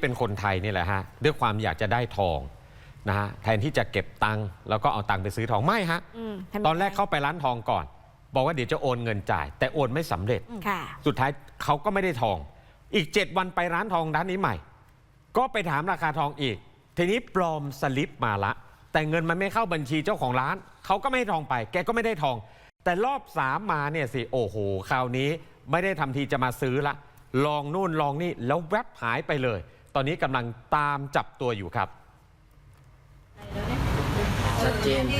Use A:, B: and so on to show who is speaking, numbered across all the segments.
A: เป็นคนไทยนี่แหละฮะด้วยความอยากจะได้ทองนะฮะแทนที่จะเก็บตังค์แล้วก็เอาตังค์ไปซื้อทองไม่ฮะตอนแรกเข้าไปร้านทองก่อนบอกว่าเดี๋ยวจะโอนเงินจ่ายแต่โอนไม่สำเร็จสุดท้ายเขาก็ไม่ได้ทองอีก7 วันไปร้านทองร้านนี้ใหม่ก็ไปถามราคาทองอีกทีนี้ปลอมสลิปมาละแต่เงินมันไม่เข้าบัญชีเจ้าของร้านเขาก็ไม่ให้ทองไปแกก็ไม่ได้ทองแต่รอบ3มาเนี่ยสิโอ้โหคราวนี้ไม่ได้ทำทีจะมาซื้อละลองนู่นลองนี่แล้วแวบหายไปเลยตอนนี้กำลังตามจับตัวอยู่ครับ
B: ชัดเจน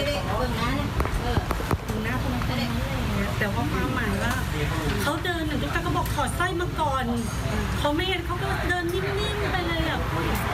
B: แต่ว่าความหมายว่าเขาเดินหนึ่งทุกท่านก็บอกถอดสร้อยมาก่อนเขาไม่เห็นเขาก็เดินนิ่มๆไปเลยอ่ะ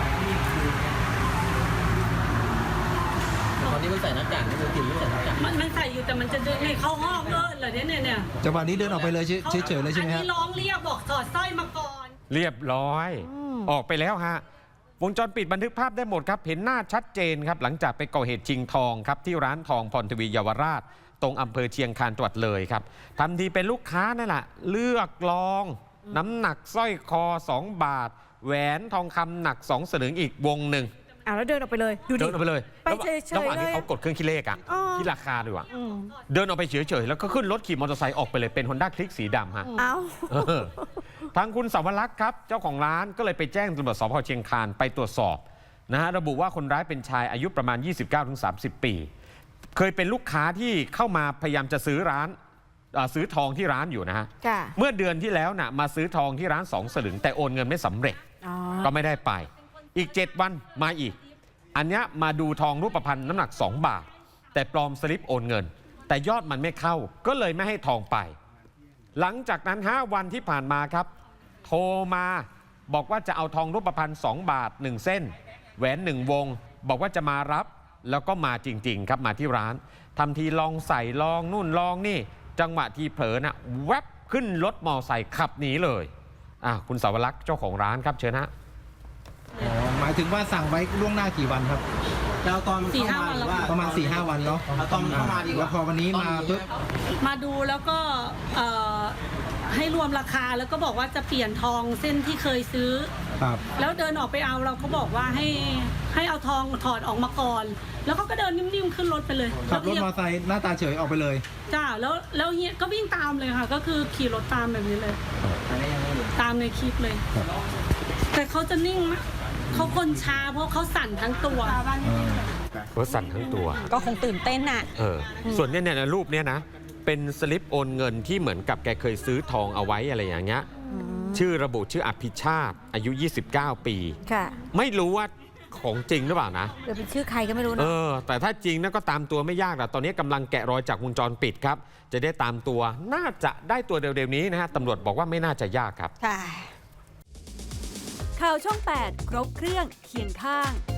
C: ตอนนี้มันใส่หน้ากากนี่มันกินไม่ใส่หน้ากาก
B: มันใส่อยู่แต่มันจะเดินเข้าห้องเหรอเนี่ย
D: จังหวะนี้เดินออกไปเลยเฉยๆเลยใช่ไหมฮะ
B: อันนี้ร้องเรียกบอกถอดสร้อยมาก่อน
A: เรียบร้อยออกไปแล้วฮะวงจรปิดบันทึกภาพได้หมดครับเห็นหน้าชัดเจนครับหลังจากไปก่อเหตุชิงทองครับที่ร้านทองพรทวีเยาวราชตรงอำเภอเชียงคานจังหวัดเลยครับทำทีเป็นลูกค้านั่นแหละเลือกลองน้ำหนักสร้อยคอ2 บาทแหวนทองคำหนัก2 สลึงอีกวงหนึ่ง
E: แล้วเดินออกไปเลย
A: เดินออกไปเลย
E: ไปเฉยๆ
A: ระหว่างที่เขากดเครื่องคิดเลขอะที่ราคาด้วยเดินออกไปเฉยๆแล้วก็ขึ้นรถขี่มอเตอร์ไซค์ออกไปเลยเป็น Honda Click สีดำฮะทางคุณสาวรักษ์ครับเจ้าของร้านก็เลยไปแจ้งตำรวจสพเชียงคานไปตรวจสอบนะฮะระบุว่าคนร้ายเป็นชายอายุประมาณ 29-30 ปีเคยเป็นลูกค้าที่เข้ามาพยายามจะซื้อทองที่ร้านอยู่นะฮะเมื่อเดือนที่แล้วนะมาซื้อทองที่ร้าน2 สลึงแต่โอนเงินไม่สำเร็จก็ไม่ได้ไปอีก7 วันมาอีกอันนี้มาดูทองรูปพรรณน้ำหนัก2 บาทแต่ปลอมสลิปโอนเงินแต่ยอดมันไม่เข้าก็เลยไม่ให้ทองไปหลังจากนั้น5 วันที่ผ่านมาครับโทรมาบอกว่าจะเอาทองรูปพรรณ2 บาท1 เส้นแหวน1 วงบอกว่าจะมารับแล้วก็มาจริงๆครับมาที่ร้านทำทีลองใส่ลองนู่นลองนี่จังหวะทีเผลอนะแวบขึ้นรถมอไซค์ขับหนีเลยคุณสาวรักษ์เจ้าของร้านครับเชิญฮะ
D: หมายถึงว่าสั่งไว้ล่วงหน้ากี่วันครับ
C: แล้วตอนเข้ามา
D: ประมาณ 4-5 วันเนาะ
C: ตอนเข้ามาดีกว่า
D: พอวันนี้มาปุ๊บ
B: มาดูแล้วก็ให้รวมราคาแล้วก็บอกว่าจะเปลี่ยนทองเส้นที่เคยซื้อแล้วเดินออกไปเอาเราก็บอกว่าให้เอาทองถอดออกมาก่อนแล้วเขาก็เดินนิ่มๆขึ้นรถไปเลย
D: ขับรถมอเตอร์ไซค์หน้าตาเฉยออกไปเลย
B: จ้าแล้วเฮียก็วิ่งตามเลยค่ะก็คือขี่รถตามแบบนี้เลยตามในคลิปเลยแต่เขาจะนิ่งนะเขาคนช้าเพราะเขาสั่นทั้งตัว
A: เขาสั่นทั้งตัว
E: ก็คงตื่นเต้นน่ะ
A: ส่วนเนี่ยรูปเนี้ยนะเป็นสลิปโอนเงินที่เหมือนกับแกเคยซื้อทองเอาไว้อะไรอย่างเงี้ยชื่อระบุชื่ออภิชาติอายุ29 ปีไม่รู้ว่าของจริงหรือเปล่านะ
E: เป็นชื่อใครก็ไม่รู้นะ
A: แต่ถ้าจริงนะก็ตามตัวไม่ยากแต่ตอนนี้กำลังแกะรอยจากวงจรปิดครับจะได้ตามตัวน่าจะได้ตัวเร็วๆนี้นะฮะตำรวจบอกว่าไม่น่าจะยากครับ
E: ข่าวช่อง 8 ครบเครื่องเคียงข้าง